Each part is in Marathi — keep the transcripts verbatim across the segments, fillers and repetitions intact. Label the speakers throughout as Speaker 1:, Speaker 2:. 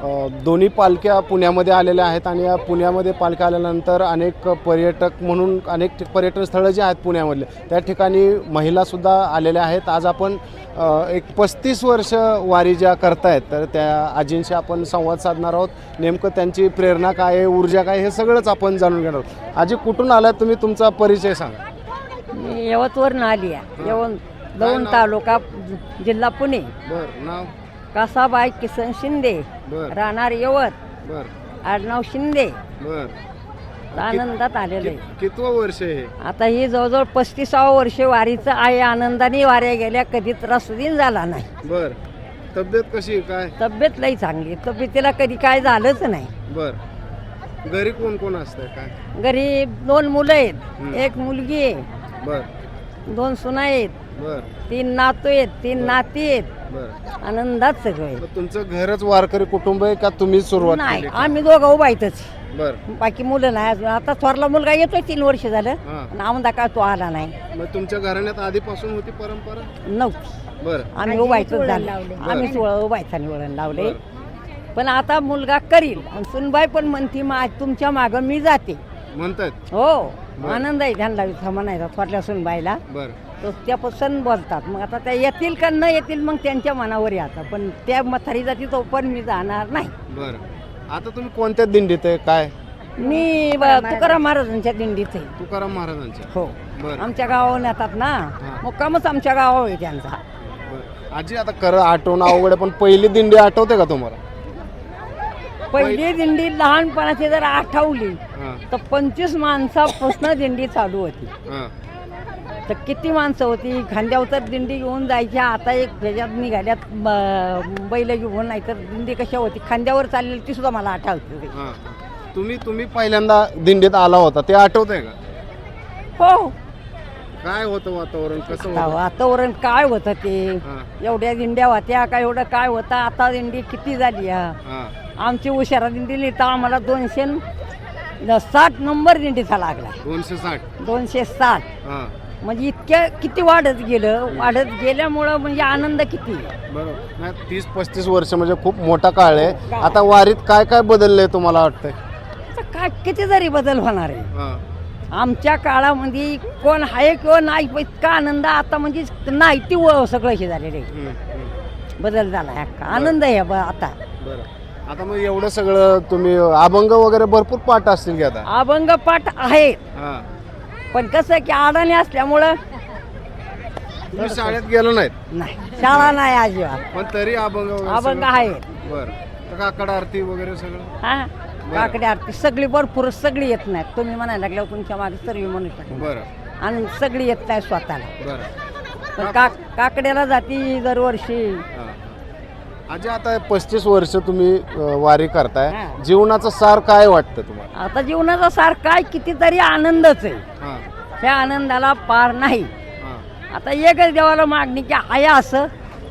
Speaker 1: दोन्ही पालख्या पुण्यामध्ये आलेल्या आहेत आणि या पुण्यामध्ये पालख्या आल्यानंतर अनेक पर्यटक म्हणून अनेक पर्यटन स्थळं जी आहेत पुण्यामधले त्या ठिकाणी महिलासुद्धा आलेल्या आहेत. आज आपण एक पस्तीस वर्ष वारी ज्या करतायत तर त्या आजींशी आपण संवाद साधणार आहोत. नेमकं त्यांची प्रेरणा काय आहे, ऊर्जा काय, हे सगळंच आपण जाणून घेणार आहोत. आजी कुठून आलात तुम्ही, तुमचा परिचय सांगा.
Speaker 2: मी यवतवरून आली आहे. यवत दौंड तालुका जिल्हा पुणे.
Speaker 1: बरं. नाव?
Speaker 2: कासाबाई किसन शिंदे.
Speaker 1: बरं.
Speaker 2: राहणार यवत.
Speaker 1: बरं.
Speaker 2: आडनाव शिंदे.
Speaker 1: बरं.
Speaker 2: आनंदात आलेलं आहे.
Speaker 1: कितवं वर्ष आहे?
Speaker 2: आता ही जवळजवळ पस्तीसावं वर्ष वारीचं आहे. आनंदाने वाऱ्या गेल्या, कधी त्रासुदीन झाला नाही.
Speaker 1: बर. तब्येत कशी काय?
Speaker 2: तब्येत लई चांगली. तब्येतीला कधी काय झालंच नाही.
Speaker 1: बर. घरी कोण कोण असतं काय?
Speaker 2: घरी दोन मुलं आहेत.
Speaker 1: हं.
Speaker 2: एक मुलगी आहे.
Speaker 1: बर.
Speaker 2: दोन सुना आहेत.
Speaker 1: बर.
Speaker 2: तीन नातू आहेत. तीन
Speaker 1: बर.
Speaker 2: नाती आहेत.
Speaker 1: बर.
Speaker 2: आनंदात सगळं आहे.
Speaker 1: मग तुमचं घरच वारकरी कुटुंब आहे का तुम्ही सुरुवात
Speaker 2: नाही,
Speaker 1: केली?
Speaker 2: आम्ही दोघं उभा इथंच.
Speaker 1: बर.
Speaker 2: बाकी मुलं नाही अजून. आता थोरला मुलगा येतोय, तीन वर्ष झालं.
Speaker 1: हा.
Speaker 2: नामदा काय तो आला नाही.
Speaker 1: मग तुमच्या घराण्यात आधीपासून होती परंपरा?
Speaker 2: नव्हती.
Speaker 1: बर.
Speaker 2: आम्ही उभायचंच झालं. आम्ही सोळा उभायचाने वळण लावले. पण आता मुलगा करील आणि सुनबाई पण म्हणती मा तुमच्या मागं मी जाते
Speaker 1: म्हणतात.
Speaker 2: हो.
Speaker 1: बर.
Speaker 2: आनंद आहे त्यांना इथं म्हणायचा थोरल्या सुनबाईला.
Speaker 1: बर.
Speaker 2: तर त्या पसंत बोलतात. मग आता त्या येतील का न येतील मग त्यांच्या मनावर आहे आता. पण त्या म्हातारी जाती तो पण मी जाणार नाही.
Speaker 1: बर. आता तुम्ही कोणत्या दिंडीत आहे काय?
Speaker 2: मी ब- तुकाराम महाराजांच्या दिंडीत आहे.
Speaker 1: तुकाराम महाराजांच्या.
Speaker 2: हो.
Speaker 1: बर.
Speaker 2: आमच्या गावाहून येतात ना. मुक्कामच आमच्या गावावर आहे त्यांचा.
Speaker 1: बर. आजी आता खरं आठवणं अवघड आहे, पण पहिली दिंडी आठवते का तुम्हाला?
Speaker 2: पहिली दिंडी लहानपणाची जर आठवली
Speaker 1: हा.
Speaker 2: तर पंचवीस माणसापासून दिंडी चालू होती.
Speaker 1: हा.
Speaker 2: तर किती माणसं होती. खांद्यावर तर दिंडी घेऊन जायच्या. आता एक ह्याच्यात निघाल्यात ब- बैल घेऊन. नाही तर दिंडी कशा होती खांद्यावर चाललेली ती सुद्धा मला आठवते.
Speaker 1: हा. तुम्ही तुम्ही पहिल्यांदा दिंडीत आला होता ते आठवतंय का?
Speaker 2: हो.
Speaker 1: काय होतं वातावरण, कसं
Speaker 2: आता
Speaker 1: होतं?
Speaker 2: वातावरण काय होतं ते.
Speaker 1: हा.
Speaker 2: एवढ्या दिंड्या होत्या काय, एवढं काय होतं. आता दिंडी किती झाली. हा.
Speaker 1: हा.
Speaker 2: आमची उशारा दिंडी तर आम्हाला दोनशे न- साठ नंबर दिंडीचा लागला.
Speaker 1: दोनशे साठ.
Speaker 2: दोनशे साठ
Speaker 1: हा.
Speaker 2: म्हणजे इतक्या किती वाढत गेलं. वाढत गेल्यामुळं म्हणजे आनंद किती.
Speaker 1: बरोबर. नाही, तीस पस्तीस वर्ष म्हणजे खूप मोठा काळ आहे. आता वारीत काय काय बदललंय तुम्हाला वाटतंय?
Speaker 2: आता काय किती जरी बदल होणार आहे.
Speaker 1: हा.
Speaker 2: आमच्या काळामध्ये कोण आहे किंवा नाही पण इतका आनंद आता म्हणजे नाही ती व- सगळं हे झालेलं आहे.
Speaker 1: हम्म, हम्म.
Speaker 2: बदल झाला आहे अख्खा. आनंद आहे ब- आता.
Speaker 1: बरं. आता मग एवढं सगळं तुम्ही अभंग वगैरे भरपूर पाठ असतील की आता?
Speaker 2: अभंग पाठ आहेत.
Speaker 1: हा.
Speaker 2: पण कसं की अडाणी असल्यामुळं
Speaker 1: तुम्ही शाळेत गेलो नाहीत
Speaker 2: नाही, शाळा नाही अजिबात.
Speaker 1: पण तरी अभंग वगैरे
Speaker 2: अभंग
Speaker 1: सगळं?
Speaker 2: आहेत.
Speaker 1: बरं. तर काकड आरती वगैरे सगळं?
Speaker 2: हा. काकडी आरती सगळी भरपूर सगळी येत नाहीत. तुम्ही म्हणायला लागल्यावर तुमच्या मागे सर्व म्हणू शकता.
Speaker 1: बरं.
Speaker 2: आणि सगळी येत नाही स्वतःला.
Speaker 1: बरं.
Speaker 2: पण का काकड्याला जाती दरवर्षी.
Speaker 1: हा. आजी आता पस्तीस वर्ष तुम्ही अ, वारी करताय.
Speaker 2: हा.
Speaker 1: जीवनाचं सार काय वाटतं तुम्हाला?
Speaker 2: आता जीवनाचा सार काय कितीतरी आनंदच आहे.
Speaker 1: हा.
Speaker 2: त्या आनंदाला पार नाही.
Speaker 1: हा.
Speaker 2: आता एकच देवाला मागणी की आहे असं.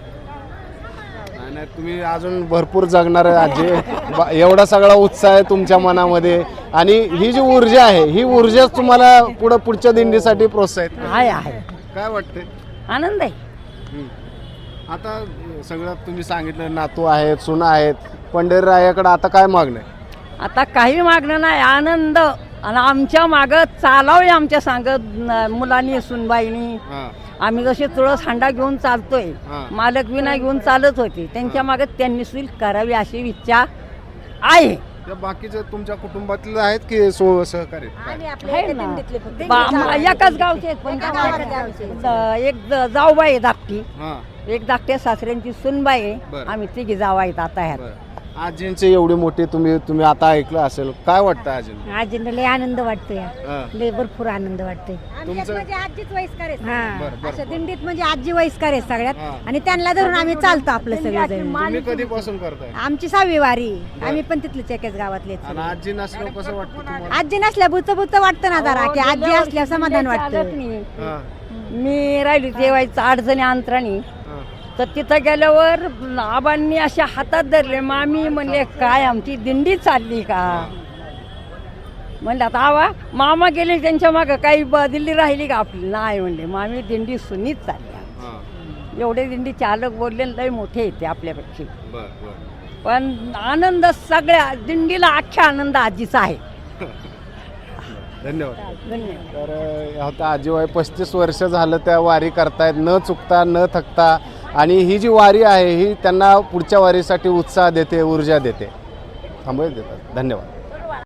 Speaker 1: नाही, नाही, तुम्ही अजून भरपूर जगणार आहे आजी. बा- एवढा सगळा उत्साह आहे तुमच्या मनामध्ये आणि ही जी ऊर्जा आहे ही ऊर्जाच तुम्हाला पुढं पुढच्या दिंडीसाठी प्रोत्साहित करते.
Speaker 2: आहे आहे
Speaker 1: काय वाटतंय?
Speaker 2: आनंद आहे.
Speaker 1: हम्म. आता सगळं तुम्ही सांगितलं, नातू आहेत, सुना आहेत, पंढरीरायाकडे आता काय मागणं आहे?
Speaker 2: आता काही मागणं नाही. आनंद. आणि आमच्या मागं चालावे आमच्या सांगत मुलांनी सुनबाईनी.
Speaker 1: हा.
Speaker 2: आम्ही जसे तुळस हांडा घेऊन चालतोय.
Speaker 1: हा.
Speaker 2: मालक विना घेऊन चालत होते. त्यांच्या मागे त्यांनी सुईल करावी अशी इच्छा आहे.
Speaker 1: त्या बाकीचे तुमच्या कुटुंबातले आहेत की सो सहकारी काय?
Speaker 2: आहे ना. बा- म- एकाच गावचे आहेत पण द- एक ज- जाऊबाई आहे धाकटी.
Speaker 1: हा.
Speaker 2: एक धाकट्या सासऱ्यांची सुनबाई आहे.
Speaker 1: बरं.
Speaker 2: आम्ही तिघी जावा आहेत आता ह्यात.
Speaker 1: बरं. आजींचे एवढी मोठी तुम्ही तुम्ही आता ऐकलं असेल, काय वाटतं आजींना?
Speaker 3: आजींना लय आनंद वाटतोय.
Speaker 1: हा.
Speaker 3: लय भरपूर आनंद वाटतोय.
Speaker 1: तुमचं?
Speaker 3: म्हणजे आजीच वयस्कर आहे.
Speaker 1: बरं, बरं,
Speaker 3: अशा
Speaker 1: बरं.
Speaker 3: दिंडीत म्हणजे आजी वयस्कर आहे सगळ्यात.
Speaker 1: हा.
Speaker 3: आणि त्यांना धरून आम्ही चालतो आपलं सगळं.
Speaker 1: तुम्ही कधीपासून करताय?
Speaker 3: आमची सहावी वारी. आम्ही पण तिथलेच एकाच गावातले.
Speaker 1: आणि आजी नसल्यावर कसं वाटतं तुम्हाला?
Speaker 3: आजी नसल्या बुत बुत वाटतं ना जरा की आजी असल्या समाधान वाटतं.
Speaker 1: हा.
Speaker 2: मी राहिली जेवायचं अडचणी अंतराणी.
Speaker 1: हा.
Speaker 2: तर तिथं गेल्यावर आबांनी अशा हातात धरले. मामी म्हणले काय आमची दिंडी चालली का. म्हणलं आता आवा मामा गेले त्यांच्या मागं काही ब- दिल्ली राहिली का आपली. नाही म्हणले मामी दिंडी सुनीत चालली.
Speaker 1: हा.
Speaker 2: एवढे दिंडी चालक बोलले लय मोठे येते आपल्यापेक्षा.
Speaker 1: बर बर
Speaker 2: पण आनंद सगळ्या दिंडीला अख्ख्या आनंद आजीचा आहे.
Speaker 1: धन्यवाद.
Speaker 2: धन्यवाद.
Speaker 1: तर अ, आता आजीबाई पस्तीस वर्ष झालं त्या वारी करतायत न चुकता न थकता, आणि ही जी वारी आहे ही त्यांना पुढच्या वारीसाठी उत्साह देते, ऊर्जा देते. थांबवे देतात. धन्यवाद.